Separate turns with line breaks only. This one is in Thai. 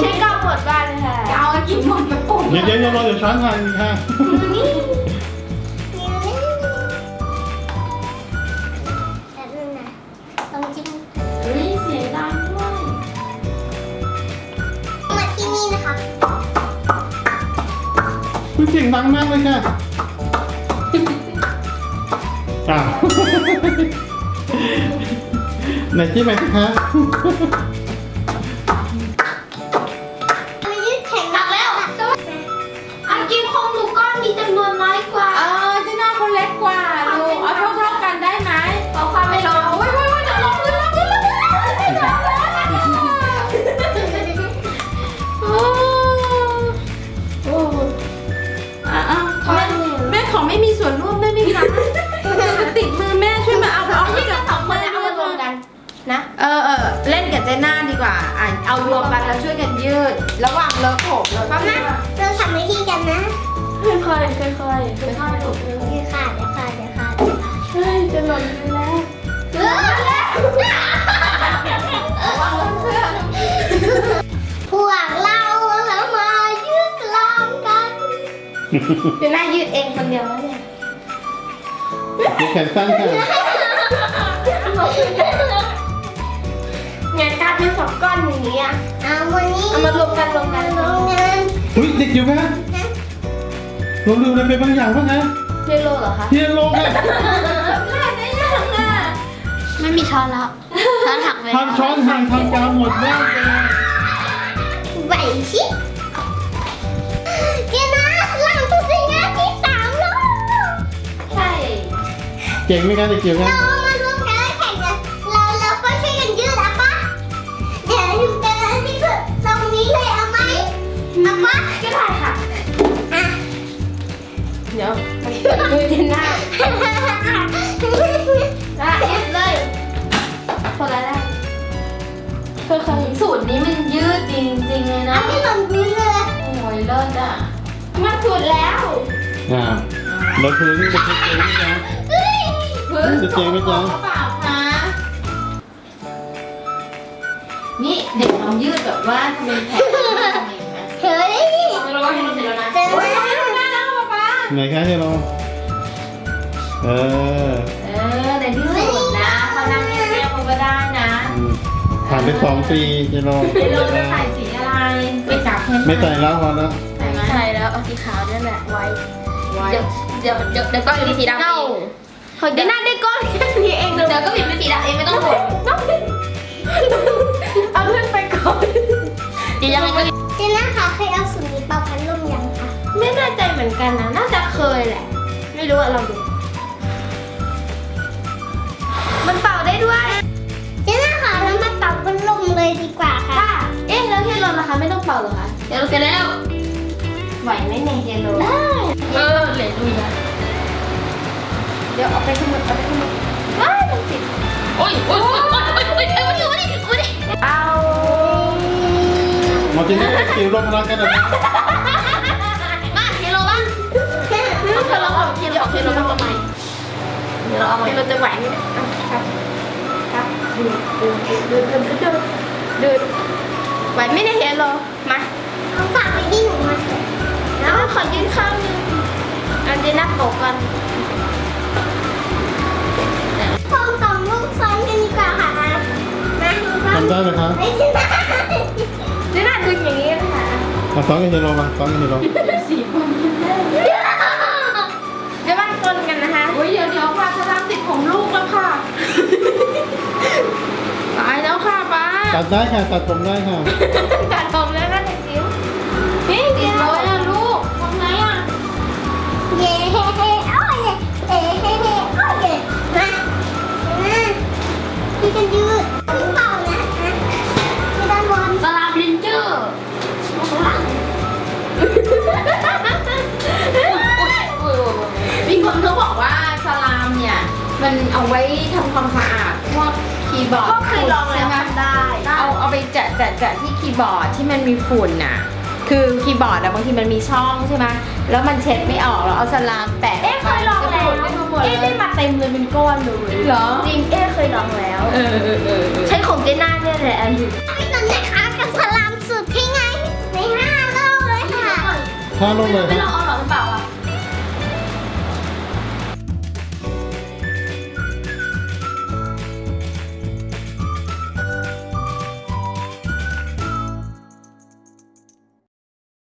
ใช้กาวหมดบ้านเลยค่ะ
เอากินหมดกระปุก
เดี๋ยวเราจะช้อนทานค่ะ
แบบนึงนะลองจิ้ม
เฮ้ยเสียงดังด้วย
มาที่นี่นะคะ
คุณเสียงดังมากเลยค่ะอ้าวไหนจิ้มไปสิคะ
มายืดแข็ง
หนักแล้วอันกินของหนูก้อนมีจำนวนน้อยกว่า
เจ้าหน้าเขาเล็กกว่าลูกเอาเท่าๆกันได้ไหม
ขอความไม่ลง
โอ้ยจะลงขึ้นโอ้แม่ขอไม่มีส่วนร่วมได้ไหมคะจะติดมือแม่ช่วยมาเอาที่กับสองมือ
เอามารวมกันนะ
เล่นกับเจน่าดีกว่าเอารวมกันแล้วช่วยกันยืด ระหว่างเลิกผมแล้วก็
เราทำวิธีกันนะ
ค่อยๆค่อยๆค่อยๆหลบ
ยืดขาดเดี๋ยวขาดเดี๋ยวขาด
เฮ้ยจะหล่นอยู่แล้ว
พวกเราแล้วมายืดสลามกัน
เดี๋ยวแม่ยืดเองคนเดียวแล้วเนี่ย
ยืดแขนสั้นค่ะ
งานการเป็นสองก้อนอย่างนี้อ่ะ
เอาวันนี้
เอามารวมกัน
ลงงาน
อุ้ยเด็กอยู่ไหมลงดูเลยเป็นบางอย่างป่ะคะ
เทโลเหรอคะ
เฮียลงค่ะ
ไม่มีช้อนแล้วช้อนหักไป
ทำช้อนห่างทำกาวหมดแม่เลย
ไหวชิเจน่าสลามตัวสิงานที่3แล้ว
ใช่
เก่งไหมคะเด็กจิ๋วคะ
เรามารวมกันแล้วแข่งกันเราก็ช่วยกันยืดอะปะเดี๋ยวถึงจะที่สุดตรงนี้เลยเอาไหมเอาปะ
ก็ได้ค่ะ
อ่ะ
เดี๋ยวมือเจนหน้ายืดเลยคนละได้ค่อยๆ
สูตรนี้มันยืดดีจริงๆเลย
อั
นะ
นนี้หล่นพื้นเลย
โอ้ยเลิศอ่ะ
มันสุดแล้ว
เราคือนี่จะเก่งไหมจ๊ะ
พื้น
จะเจ๋งไหมจ๊ะ
เปล่าคะนี่เด็กลองยืดแบบว่าทำเป็นแผลทำเองนะ
เฮ้ย
เราก็ให้มันเสร็จแล้วนะ
เจน่า
ไหนคะเฮียลงเออ
ในที่สุดนะเขานั่งเงียบๆเขาก็ได้นะ
ผ่านไป2 ปีเฮียลง
เดี๋ยวเราจะใส่สีอะไรสีขาวเข้ม
ไม่ใส่แล้วพอแล้ว
ใส่ไหม
ใช่แล้วเอาสีขาวนี่แหละไว้
ไว้
เดี๋ยวก้อนเป็นสีดำเองเดี๋ยวหน้าได้ก้อนแค่นี้เองเดี๋ยวก็ผิดเป็นสีดำเองไม่ต้องห่วงเอาขึ้นไปก่อนเดี๋ยวยังไงก็
เจน่าคะเคยเอาสูตรนี้เป่าพัดลมยังคะ
ไม่แน่ใจเหมือนกันนะน่าจะเคยแหละ ไม่รู้อะลองดู มันเป่าได้ด้วย
เจน่าคะแล้วมาเป่าพัดลมเลยดีกว่าค่ะ
เอ๊ะแล้วเฮโลนะคะไม่ต้องเป่าเหรอคะเฮโลเสร็จแล้วไหวไหมเนี่ยเฮโล
ได้
เหลยดูนะเดี๋ยวเอาไปขึ้นมือเอาไปขึ้นมือว้ายมันติดโอ้ยเอา
หมดที่นี่จิ๋วลงรักกันนะ
มาเฮโลบ้างเธอลองเอาเฮโลบ้างทำไมเดี๋ยวเราเอาเฮโลจะไหวไหมเนี่ยครับดูดไหวไหมเนี่ยเฮโลมา
เอาฝากไปที่หนูมาเถอะ
แล้วขอยืนข้างนึงอันเจน่าโปกกัน
พองสองลูกซ้อนกันดีกว่าค่ะมาหนูก็
ทำได้ไหมคะ
ไม่ใช่นะ
เจน่าดึงอย่างนี้นะคะ
มาซ้อนกับเฮียลงมาซ้อนกับเฮียลง
สีผมเดี๋ยวมันปนกันนะคะ
โอ้ยเดี๋ยวค่ะจะทำติดผมลูกแล้วค่ะตายแล้วค่ะป้า
ตัดได้ค่ะตัดผมได้ค่ะ
ตัดผมแล้วก็จะจิ้วนี่เดียว
เลยอ่ะลูกทำไงอ่ะ
เย้เฮ้เฮ้โอ้ยเฮ้เฮ้เฮ้โอ้ยมาพี่กันยืดพี่เป่านะพี่ด้านบน
สลาบลินเจอร์
มีคนเขาบอกว่าสลามเนี่ยมันเอาไว้ทำความสะอาดพวกคีย์บอร์ด
ก็เคยลองแล้ว
ใช่ไหม
ทำได้
เอาไปแจะที่คีย์บอร์ดที่มันมีฝุ่นน่ะ คือคีย์บอร์ดอะบางทีมันมีช่องใช่ไหมแล้วมันเช็ดไม่ออกแล้วเอาสลามแปะ
เอ๊ะเคยลองแล้ว
จะฝุ่นไม่หมด
เอ๊ะ
เล
ได้
ย
มาเต็มเลยเป็นก้อนเลย
เหรอ
จริงเอ๊ะเคยลองแล้ว
เออ
ใช้ของเจน่าเนี่ยแหละอันนี้
พี่นนท์นะคะกับสลามสูตรที่ง่าย
5 ลูกเลย
ไม่
ค
ล
รั
อบ งเอา